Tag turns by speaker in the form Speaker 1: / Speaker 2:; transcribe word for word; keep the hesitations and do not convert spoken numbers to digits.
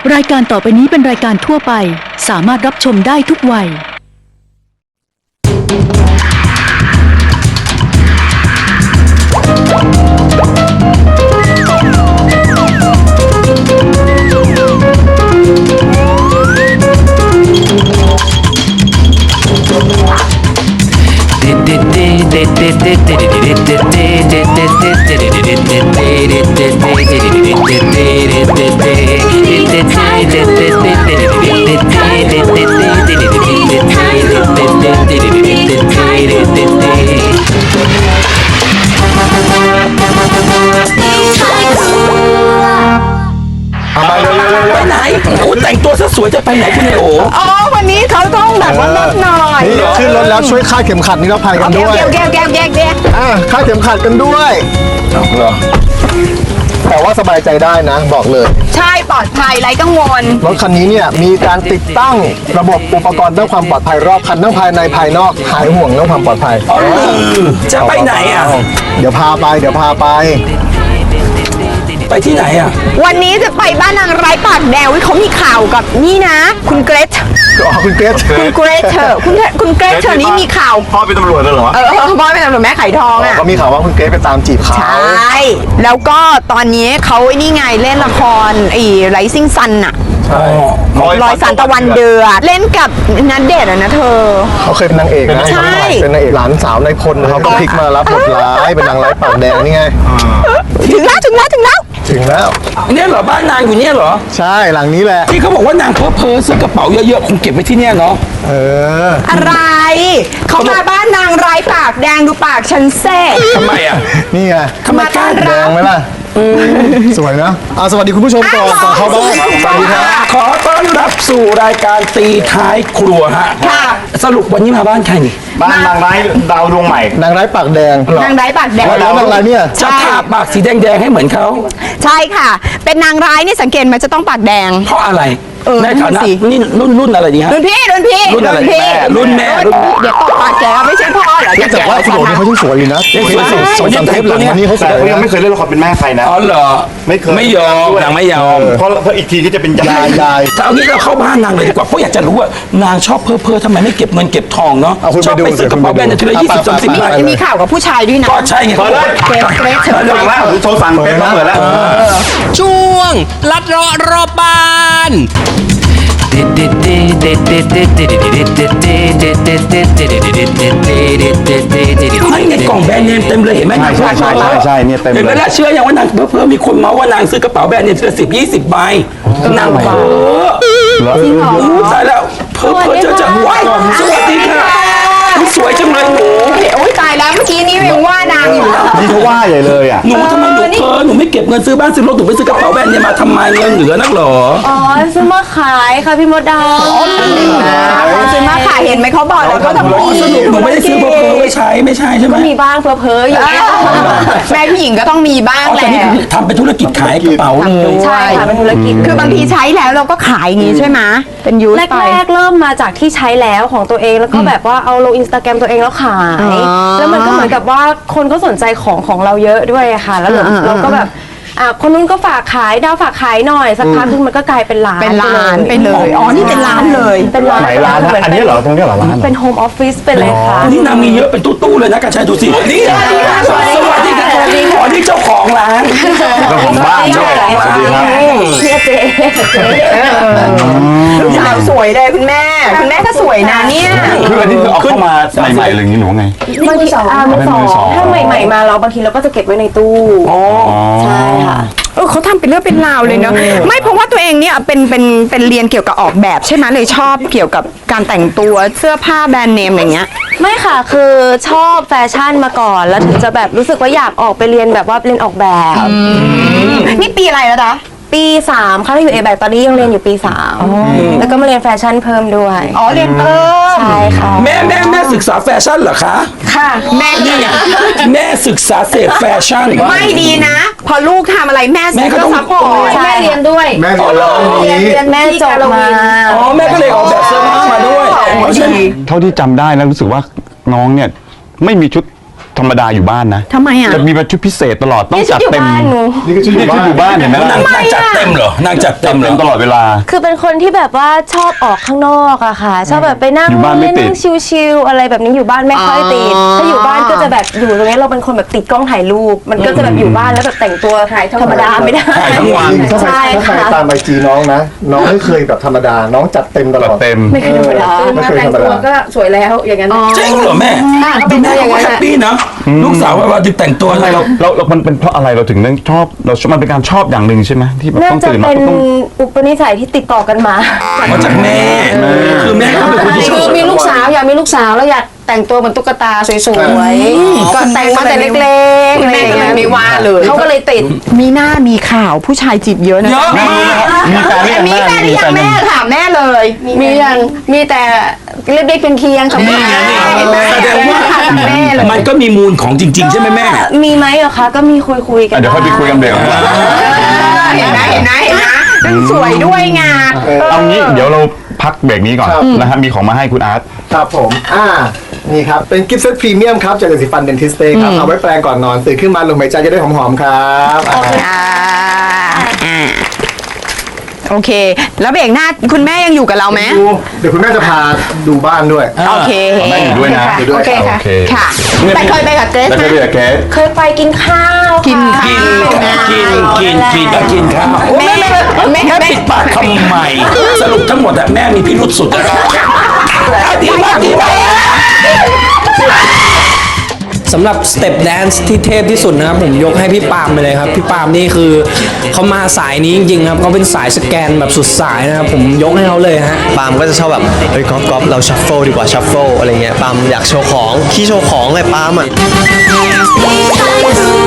Speaker 1: รายการต่อไปนี้เป็นรายการทั่วไปสามารถรับชมได้ทุกวัย
Speaker 2: ไปไหนโอ้แต่งตัวซะสวยจะไปไหนคุณไอโอ
Speaker 3: อ๋อวันนี้เขาต้องแบบว่าลดหน่อย
Speaker 4: นี่ขึ้นรถแล้วช่วยคาดเข็มขัดนิรภัยกันด้วย
Speaker 3: แก้วแก้วแก้วแก้วแก้ว
Speaker 4: อ่ะคาดเข็มขัดกันด้วยเหรอแต่ว่าสบายใจได้นะบอกเลย
Speaker 3: ใช่ปลอดภัยไร้กังวล
Speaker 4: รถคันนี้เนี่ยมีการติดตั้งระบบอุปกรณ์ด้านความปลอดภัยรอบคันทั้งภายในภายนอกหายห่วงเรื่องความปลอดภัย
Speaker 2: จะไปไหนอ่ะ
Speaker 4: เดี๋ยวพาไปเดี๋ยวพาไป
Speaker 2: ไปที่ไหนอ่ะ
Speaker 3: วันนี้จะไปบ้านนางร้ายปากแดงเขามีข่าวกับนี่นะคุณเกรซ
Speaker 4: อ๋อคุณเกรซ
Speaker 3: คุณเกรซเธอคุณคุณเกรซเธอนี้มีข่าว
Speaker 4: พ่อเป็นตำรวจเลยเหรอ
Speaker 3: เออพ่อเป็นตำรวจแม่ไข่ทองอ่ะ
Speaker 4: ก็มีข่าวว่าคุณเกรซไปตามจีบเขา
Speaker 3: ใช่แล้วก็ตอนนี้เขาไอ้นี่ไงเล่นละครไอ้ไรซิ่งซันอะรอยสันตะวันเดือดเล่นกับนัดเดทอะนะเธอ
Speaker 4: เขาเคยเป็นนางเอกนะ
Speaker 3: ใช่
Speaker 4: เป็นนางเอกหลานสาวนายพลเขาก็พลิกมารับบทร้ายเป็นนางร้ายปากแดงนี่ไง
Speaker 3: ถึงแล้วถึงแล้วถึงแล้ว
Speaker 4: ถึงแล้ว
Speaker 2: เนี่ยเหรอบ้านนางอยู่เนี่ยเหรอ
Speaker 4: ใช่หลังนี้แหละ
Speaker 2: ที่เขาบอกว่านางเพ้อเพ้อซื้อกระเป๋าเยอะๆคงเก็บไว้ที่เนี่ยเนาะ
Speaker 4: เออ
Speaker 3: อะไรเขามาบ้านนางร้ายปากแดงดูปากฉันเซ่
Speaker 2: ทำไมอ่ะ
Speaker 4: นี่ไง
Speaker 2: ทำไมกล้า
Speaker 4: แดงไหมล่ะสวยนะอ่ะสวัสดีคุณผู้ชมก่อนก่อนเข้าบ้านสวัสดีครับ
Speaker 2: ขอต้อนรับสู่รายการตีท้ายครัวฮะสรุปวันนี้มาบ้านใครนี่
Speaker 4: บ้านนางร้ายดาวดวงใหม่นางร้ายปากแดง
Speaker 3: นางร้ายปากแดง
Speaker 4: แล้วนางร้ายเนี่ย
Speaker 2: จะทาปากสีแดงๆให้เหมือนเขา
Speaker 3: ใช่ค่ะเป็นนางร้ายนี่สังเกตมันจะต้องปากแดง
Speaker 2: เพราะอะไรในฐานะนี่รุ่นรุ่นอะไรดีฮะ
Speaker 3: รุ่นพี่รุ่นพี่
Speaker 2: รุ่นอะไรแม่รุ่นแม่
Speaker 3: เดี๋ยวตกปากแกไม่ใช่พ่อเหรอ
Speaker 4: แต่ว่าคุณโอ๋นี่เขายิ่งสวยอยู่นะสวยจังเทปหลังนี้เขาสวย
Speaker 5: ยังไม่เคยเล่นละครเป็นแม่ใครนะ
Speaker 2: อ๋อเหรอ
Speaker 5: ไม่เคย
Speaker 2: ไม่ยอมนางไม่ยอม
Speaker 5: เพราะเพราะอีกทีก็จะเป็นยาย
Speaker 4: ยาย
Speaker 2: แต่เอางี้เราเข้าบ้านนางเลยดีกว่าเพราะอยากจะรู้ว่านางชอบเพ้อเพ้อทำไมไม่เก็บเงินเก็บทองเนาะชอบไปซื้อกระเป๋าแบรนด์ทีละยี่สิบสามสิบ
Speaker 3: บาทมีข่าวกับผู้ชายด้วยนะ
Speaker 2: ก็ใช่ไงเขาเลย
Speaker 3: เกรซเกรซเธอ
Speaker 5: ฟังแล้วโทรสั่งเป็นเปิดแล้ว
Speaker 6: ช่วงลัดเลาะรอบบ้าน
Speaker 2: ไม่ในกล่องแบรนด์เนมเต็มเลยเห็นไหม
Speaker 5: ใช่ใช่ใช่ใช่เนี่ยเต็มเลย
Speaker 2: เห็นไหมล่ะเชื่ออย่างว่านางเพิ่มมีคนเมาว่านางซื้อกระเป๋าแบรนด์เนมทีละสิบยี่สิบใบนางเพ้อจริงเหรอใช่แล้วเพ้อเพ้อเจอจังหวะสวัสดีค่ะสวยจังเลยหนู
Speaker 3: โอ้ยตายแล้วเมื่อกี้นี้ยังว่านางอยู่
Speaker 5: นี่เขาว่าใหญ่เลยอ่ะ
Speaker 2: หนูทำไมหนูเพ้อหนูไม่เก็บเงินซื้อบ้านซื้อรถหนูไปซื้อกระเป๋าแบรนด์เนมมาทำไมเงินเหลือนักหรอ
Speaker 7: อ๋อซื้อมาขายค่ะพี่มดดำ
Speaker 3: ซื้อมาขายเห็นไหมเขาบอกแล้วเขาทำดี
Speaker 2: สนุกหนูไม่ได้ซื้อเพ้อเพ้อไว้ใช้ไม่ใช่ใช่ไหม
Speaker 7: มีบ้างเพ้อเพ้ออยู่
Speaker 3: แม่ผู้หญิงก็ต้องมีบ้างแหละ
Speaker 2: ทำเป็นธุรกิจขายกระเป๋าเลย
Speaker 7: ใช่ค่ะเป็นธุรกิจ
Speaker 3: คือบางทีใช้แล้วเราก็ขายอย่างนี้ใช่ไหมเป็นยูสไป
Speaker 7: แรกๆเริ่มมาจากที่ใช้แล้วของตัวเองแล้วก็แบบว่าเอาลงอินสตาแกรมตัวเองแล้วขายแล้วมันก็เหมือนกับว่าคนก็สนใจของของเราเยอะด้วยค่ะแล้วเราก็แบบอ่ะคนนู้นก็ฝากขายดาวฝากขายหน่อยสักพักนึงมันก็กลายเป็นร้าน
Speaker 3: เป็นร้านไปเลยอ๋อนี่เป็นร้านเลย
Speaker 7: เป็นร้าน
Speaker 5: ไหนร้านอันนี้เหรอตรงนี้เหรอร้าน
Speaker 7: เป็นโฮมออฟฟิศเป็นเลยค่ะ
Speaker 2: นี่นางมีเยอะเป็นตู้ๆเลยนะกระชายดูสินี่สวัสดีค่ะสวัสดีค่ะอ๋อนี่เจ้าของร้าน
Speaker 5: ก็ผมบ้านด้วยสวัสดีครับ
Speaker 7: เจ๊เจ๊
Speaker 3: สาวสวยเลยคุณแม่คุณแม่ก็สวยนะเนี่ย
Speaker 5: คืออันนี้คือเอาเข้ามาใหม่ๆเลยหรือไง
Speaker 7: บางทีอ่ามือสองถ้าใหม่ๆมาเราบางทีเราก็จะเก็บไว้ในตู้
Speaker 2: อ๋อ
Speaker 7: ใช่ค่ะ
Speaker 3: เออเขาทำเป็นเรื่องเป็นราวเลยเนาะไม่เพราะว่าตัวเองเนี่ยเป็นเป็นเป็นเรียนเกี่ยวกับออกแบบใช่ไหมเลยชอบเกี่ยวกับการแต่งตัวเสื้อผ้าแบรนด์เนมอะไรเงี้ย
Speaker 7: ไม่ค่ะคือชอบแฟชั่นมาก่อนแล้วถึงจะแบบรู้สึกว่าอยากออกไปเรียนแบบว่าเรียนออกแบบ
Speaker 3: นี่ปีอะไรแล้วจ๊ะ
Speaker 7: ปีสามค่ะที่อยู่เอแบกตอนนี้ยังเรียนอยู่ปีสามแล้วก็มาเรียนแฟชั่นเพิ่มด้วย
Speaker 3: อ๋อเรียนเพิ่ม
Speaker 7: ใช่ค่ะ
Speaker 2: แม่แม่แม่ศึกษาแฟชั่นเหรอคะ
Speaker 3: ค่ะแม่
Speaker 2: นี่ไงแม่ศึกษาเศษแฟชั่น
Speaker 3: ไม่ดีนะพอลูกทำอะไรแม่
Speaker 2: แม่ก็ต้อง
Speaker 3: ซัพพอร์ต
Speaker 7: แม่เรียนด้วย
Speaker 4: แม่เรียนแล้ว
Speaker 7: นี้แม่จบมา
Speaker 2: อ๋อแม่ก็เลยออกแบบเสื้อผ้ามาด้วย
Speaker 5: เท่าที่จำได้แล้วรู้สึกว่าน้องเนี่ยไม่มีชุดธรรมดาอยู่บ้านนะ
Speaker 3: ทำไมอ่ะ
Speaker 5: จะมีแบบชุดพิเศษตลอดต้อง
Speaker 7: นี่ชุ
Speaker 5: จั
Speaker 7: ด
Speaker 5: ด
Speaker 7: อยู่
Speaker 5: เต็ม
Speaker 7: บ้านหนู
Speaker 4: นี่ก็ชุดอ
Speaker 5: นี่
Speaker 4: ยู่
Speaker 5: ชุด
Speaker 4: บ้าน
Speaker 5: อยู่บ้านเห็นไหม
Speaker 2: นางนางจัดเต็มเหรอนางจัดเต็มเหร
Speaker 5: เต็
Speaker 2: อ
Speaker 5: มตลอดเวลา
Speaker 7: คือเป็นคนที่แบบว่าชอบออกข้างนอกอะค่ะ ชอบแบบไปนั่ง
Speaker 5: อยู่บ้านไม่
Speaker 7: เล่น
Speaker 5: ติด
Speaker 7: นั่งชิลๆอะไรแบบนี้อยู่บ้านไม่ค่อยติดถ้าอยู่บ้านก็จะแบบอยู่ตรงนี้เราเป็นคนแบบติดกล้องถ่ายรูปมันก็จะแบบอยู่บ้านแล้วแบบแต่งตัวธรรมดาไม่ได้
Speaker 2: ถ่ายทั้งวัน
Speaker 4: ถ้าใคร
Speaker 7: ใช่
Speaker 4: ถ้าใคร
Speaker 7: ค่ะ
Speaker 4: ตามไอจีน้องนะ น้องไม่เคยแบบธรรมดา น้องจัดเต็มตล
Speaker 5: จัด
Speaker 4: อด
Speaker 5: เต็ม
Speaker 7: ไม่เคยธรรมดา
Speaker 4: ไม่เคยธรรมดา
Speaker 7: ก็สวยแล้วอย่างนั้น
Speaker 2: จริงเหรอแม่ดูแม่เขาก็แฮปปี้นะลูกสาวว่าแต่งตัวอะไร
Speaker 5: เราเราเรามันเป็นเพราะอะไรเราถึงต้องชอบเรามันเป็นการชอบอย่างหนึ่งใช่ไหมที่แบบ
Speaker 7: น่า
Speaker 5: ต้อง
Speaker 7: จะ
Speaker 5: ตื่นมา
Speaker 7: เป็น
Speaker 5: ต้อง
Speaker 7: อุปนิสัยที่ติดต่อกันมา
Speaker 2: มาจากแม่คือแม่เขาเป็นคนที่ชอบ
Speaker 8: คือมีลูกสาวอยากมีลูกสาวแล้วอยากแต่งตัวเหมือนตุ๊กตาสวยๆก็แต่งมาแต่เล็กๆ
Speaker 3: คุณแม่ก็เลยไม่ว่าเลย
Speaker 8: เขาก็เลยติด
Speaker 3: มีหน้ามีข่าวผู้ชายจีบเยอะนะ
Speaker 2: เยอะมาก
Speaker 5: มีแฟนหรือยัง
Speaker 3: มีแฟนหรือยังแม่ถามแม่เลย
Speaker 8: มียังมีแต่เล็กๆเป็นเคียงๆค่ะ
Speaker 2: นี่ไงนี่
Speaker 3: เห็นไหม
Speaker 2: แสดงว่า
Speaker 3: แม่เลย
Speaker 2: มันก็มีมูลของจริง ๆ ใช่ไหมแม่
Speaker 7: มีไหมเหรอคะก็มีคุยคุยๆกัน
Speaker 5: อ่ะเดี๋ยวค่อยไปคุยกันเบรกของเรา
Speaker 3: เห็นไหมเห็นไหมเห็นไหมนั่นสวยด้วยไง
Speaker 5: เอางี้เดี๋ยวเราพักเบรกนี้ก่อน
Speaker 4: ครับ
Speaker 5: นะฮะมีของมาให้คุณอาร์ต
Speaker 4: ครับผม อ่า นี่ครับ เป็นกิฟต์เซตพรีเมียมครับจากยาสีฟันเดนทิสเต้ครับ เอาไว้แปรงก่อนนอน ตื่นขึ้นมาลมหายใจจะได้หอมๆครับอ่า
Speaker 3: อ่าอ่าโอเค แล้วเบรกหน้าคุณแม่ยังอยู่กับเราไหม
Speaker 4: ดูเดี๋ยวคุณแม่จะพาดูบ้านด้วย
Speaker 3: โอเค
Speaker 5: แม่อยู่ด้วยนะ
Speaker 4: อยู่ด้วย
Speaker 8: โอเคค่ะ
Speaker 5: โอเค
Speaker 3: ค่ะไปเคยไปกับเกรซ
Speaker 5: แล้ว
Speaker 3: ไหม
Speaker 5: ก็เรียกแกส
Speaker 7: เคยไปกินข้าว
Speaker 3: กิน
Speaker 7: ค่ะ
Speaker 3: ข้าว
Speaker 2: กินกินกินกินกินข้าว
Speaker 3: แม่แม่แม่
Speaker 2: แม่ปิดปากทำไมสรุปทั้งหมดอะแม่มีพิรุษสุดอะดีมากดีมาก
Speaker 6: สำหรับสเต็ปแดนซ์ที่เทพที่สุดนะครับผมยกให้พี่ปาล์มไปเลยครับพี่ปาล์มนี่คือเขามาสายนี้จริงๆครับเขาเป็นสายสแกนแบบสุดสายนะครับผมยกให้เขาเลยฮะ
Speaker 9: ปาล์มก็จะชอบแบบเฮ้ยก๊อฟก๊อฟเราชัฟเฟิลดีกว่าชัฟเฟิลอะไรเงี้ยปาล์มอยากโชว์ของขี้โชว์ของเลยปาล์มอ่ะ
Speaker 10: Please,